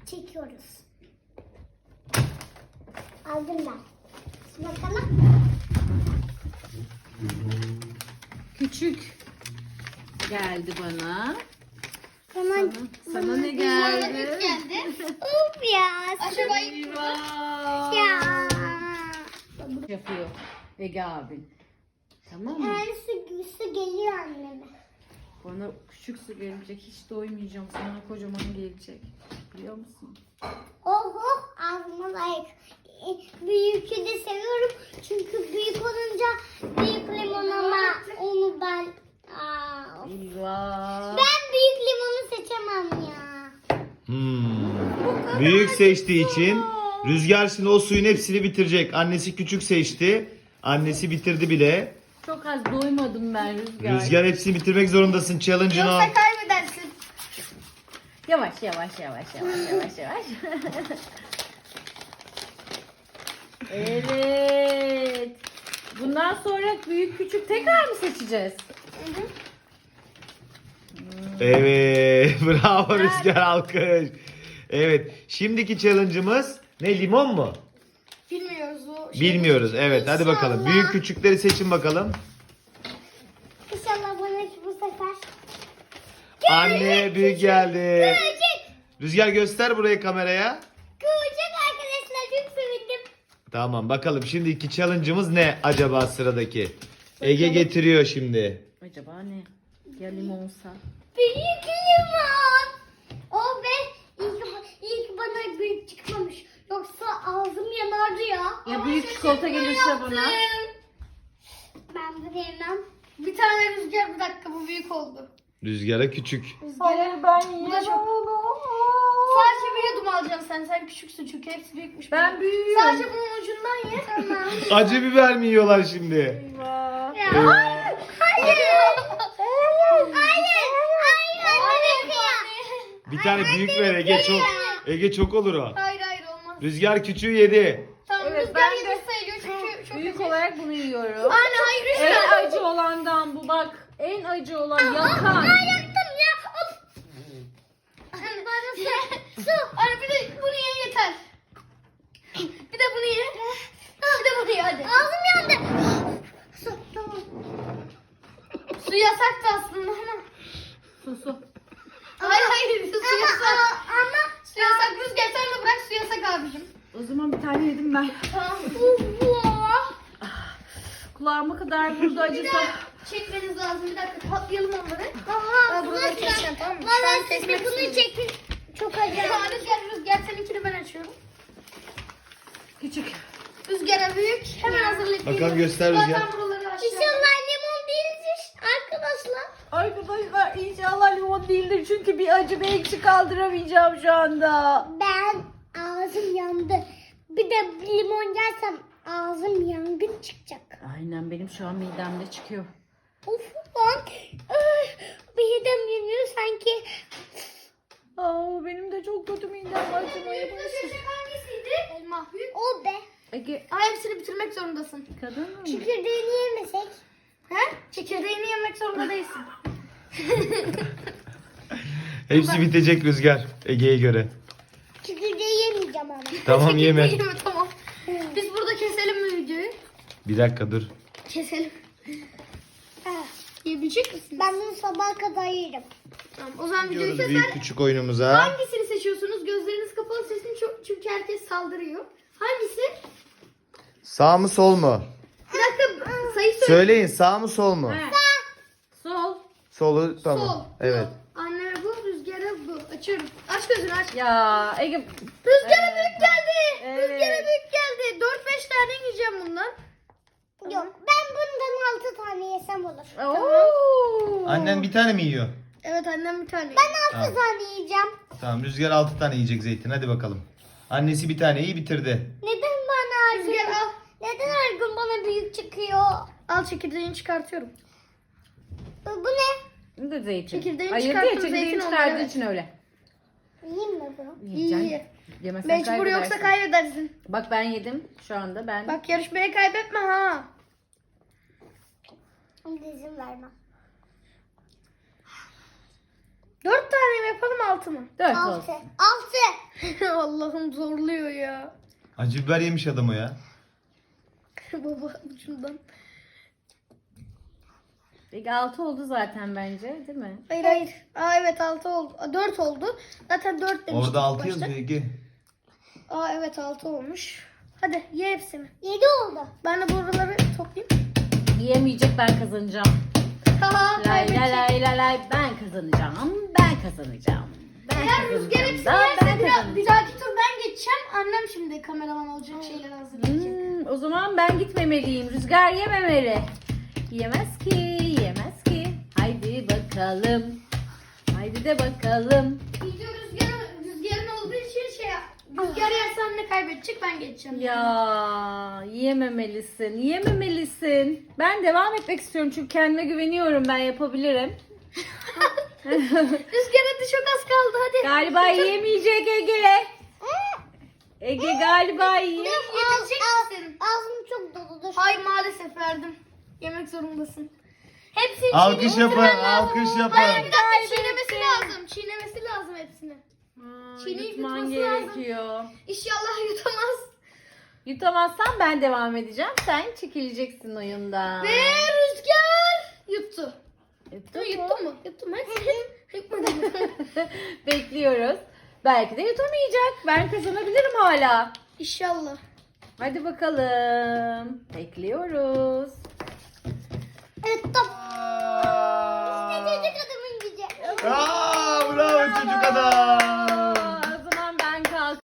çekiyoruz. Aldım ben. Şimdi bakalım. Küçük geldi bana. Hemen Sana ne geldi? Of ya. Eyvah. Ya. Yapıyor Ege abin. Tamam mı? Yani su geliyor anneme. Bana küçük su gelecek. Hiç doymayacağım. Sana kocaman gelecek. Biliyor musun? Oh oh ağzıma layık. Büyükü de seviyorum. Çünkü büyük olunca büyük limon ama onu ben... Aa, of. Eyvah. Ben büyük limonu seçemem ya. Büyük seçtiği için Rüzgar şimdi o suyun hepsini bitirecek. Annesi küçük seçti. Annesi bitirdi bile. Çok az doymadım ben Rüzgar. Rüzgar hepsini bitirmek zorundasın. Challenge'ını al. Yoksa kaybedersin. Yavaş. Evet. Bundan sonra büyük küçük tekrar mı seçeceğiz? Evet. Bravo Rüzgar, alkış. Evet. Şimdiki challenge'ımız ne? Limon mu? Bilmiyoruz o. Bilmiyoruz. Evet. Hadi bakalım. İnşallah. Büyük küçükleri seçin bakalım. İnşallah bana bu sefer. Anne büyük geldi. Küçük. Rüzgar göster buraya kameraya. Küçük arkadaşlar çok sevindim. Tamam bakalım şimdiki challenge'ımız ne acaba sıradaki? Ege getiriyor şimdi. Acaba ne? Ya limonsa? Büyük limon. O be ilk bana büyük çıkmamış. Yoksa ağzım yanardı ya. Ya büyük çikolata gelirse bana? Ben bunu yemem. Bir tane Rüzgar, bir dakika, bu büyük oldu. Rüzgara küçük. Hayır ben Bu da çok. Sadece bir yudum alacaksın sen. Sen küçüksün çünkü hepsi büyükmüş. Ben büyüğüm. Sadece bunun ucundan ye. Tamam. Acı biber mi yiyorlar şimdi? Eyvah. Ya. Hayır. Hayır. Bir tane büyük ver Ege çok. Ege çok olur o. Hayır olmaz. Rüzgar küçüğü yedi. Tamam, Evet, Rüzgar ben yedi de- sayılıyor çünkü çok Büyük olarak bunu yiyorum. Anne hayır En Rüzgar. acı olandan bu bak. En acı olan yakan. Yaktım ya. Of. Anne su. Anne bir de bunu ye yeter. Bir de bunu ye. Bir de bunu ye hadi. Ağzım yandı. Su, tamam. Su yasaktı aslında ama. Susu. Hayır su yasak. Ama Su yasak. Rüzgar sen de bırak, su yasak abicim. O zaman bir tane yedim ben. Tamam. Kulağıma kadar vurdu acısı. Çekmeniz lazım. Bir dakika patlayalım onları. Aha, Ben buraları keseceğim, tamam mı? Şu an Valla siz kesmek de bunu istiyorum. çekin. Çok acayip. Tamam Rüzgar seninkini ben açıyorum. Küçük. Rüzgara büyük. Hemen hazırlayıp Bakalım geliyorum. göster Rüzgar. Zaten buraları açacağım. İnşallah limon değildir arkadaşlar. Arkadaşlar inşallah limon değildir çünkü bir acı bir ekşi kaldıramayacağım şu anda. Ben ağzım yandı. Bir de limon yersem ağzım yangın çıkacak. Aynen benim şu an midemde çıkıyor. Of lan. Ay, midem yanıyor sanki. Aa, benim de çok kötü midem acımaya başladı. Seçecek hangisiydi? Elma. Büyük. O be. Ege Ay hepsini bitirmek zorundasın. kadın mı? Çekirdeğini yemesek. He? Çekirdeğini yemek zorunda değilsin. Hepsi bitecek Rüzgar Ege'ye göre. Çekirdeği yemeyeceğim ama. Tamam yeme. Yeme tamam. Biz burada keselim mi videoyu? Bir dakika dur. Keselim. Yiyebilecek misin? Ben bunu sabaha kadar yerim. Tamam, o zaman videoyu Gidiyoruz keser. büyük küçük oyunumuza. Hangisini seçiyorsunuz? Gözleriniz kapalı seçin çünkü herkes saldırıyor. Hangisi? Sağ mı sol mu? Bir dakika sayı söyle. Söyleyin sağ mı sol mu? He. Sol. Solu tamam. Sol. Evet. Anne bu, Rüzgar'a bu. Açıyorum. Aç gözünü aç. Ya Ege. Rüzgar'a büyük geldi. Evet. Rüzgar'a büyük geldi. 4-5 tane yiyeceğim bundan. Yok ben bundan 6 tane yesem olur. Oo. Annen bir tane mi yiyor? Evet annem bir tane. Ben 6 Tamam. tane yiyeceğim. Tamam Rüzgar 6 tane yiyecek zeytin hadi bakalım. Annesi bir taneyi bitirdi. Neden bana her Rüzgar gün, al. neden her gün bana büyük çıkıyor? Al çekirdeğini çıkartıyorum. Bu ne? Bu da zeytin. Çekirdeğini Ayırdı ya, çıkarttım, çekirdeğini zeytin oldu, çıkardığı evet. için öyle. Yiyeyim mi bunu? Yiyeceksin. İyi. Yemezsen Mecbur yoksa kaybedersin. kaybedersin. Bak ben yedim şu anda ben. Bak yarışmaya kaybetme ha. Şimdi izin vermem. 4 tane mi yapalım 6 mı? 4 6. olsun. 6. Allah'ım zorluyor ya. Acı biber yemiş adamı ya. Baba şundan. Peki 6 oldu zaten bence değil mi? Hayır hayır. Aa evet 6 oldu. 4 oldu. Zaten 4 demiştik. Orada 6 başta. yazıyor Ege. Aa evet 6 olmuş. Hadi ye hepsini. 7 oldu. Ben de buraları toplayayım. Yiyemeyecek, ben kazanacağım. Haha Lay kaybedecek. lay lay lay lay, ben kazanacağım. Ben kazanacağım. Ben Eğer Rüzgar kazanacağım. hepsini Daha ben yerse bir kazanacağım. dahaki tur ben geçeceğim. Annem şimdi kameraman olacak şeyler hazırlayacak. O zaman ben gitmemeliyim. Rüzgar yememeli. Yemez ki, yemez ki. Haydi bakalım. Haydi de bakalım. Video rüzgarın olduğu için Rüzgar yerse anne kaybedecek ben geçeceğim. Ya yiyememelisin, yiyememelisin. Ben devam etmek istiyorum çünkü kendime güveniyorum, ben yapabilirim. Rüzgar hadi çok az kaldı hadi. Galiba yiyemeyecek Ege. Ege galiba yiyemeyecek. Yebilecek misin? Ağzım çok doludur. Hayır maalesef verdim. Yemek zorundasın. Hepsini Alkış çiğnemesi yapın, lazım. alkış Hayır bir yapın. dakika çiğnemesi lazım. Çiğnemesi lazım hepsini. Çiğneyip Yutman yutması lazım. gerekiyor. İnşallah yutamaz. Yutamazsan ben devam edeceğim. Sen çekileceksin oyundan. Ve Rüzgar yuttu. Yuttun Yuttu mu? Yuttu mu? Yutmadı. Bekliyoruz. Belki de yutamayacak. Ben kazanabilirim hala. İnşallah. Hadi bakalım. Bekliyoruz. Evet top. İşte çocuk adamın gücü. Aa, bravo çocuk adam.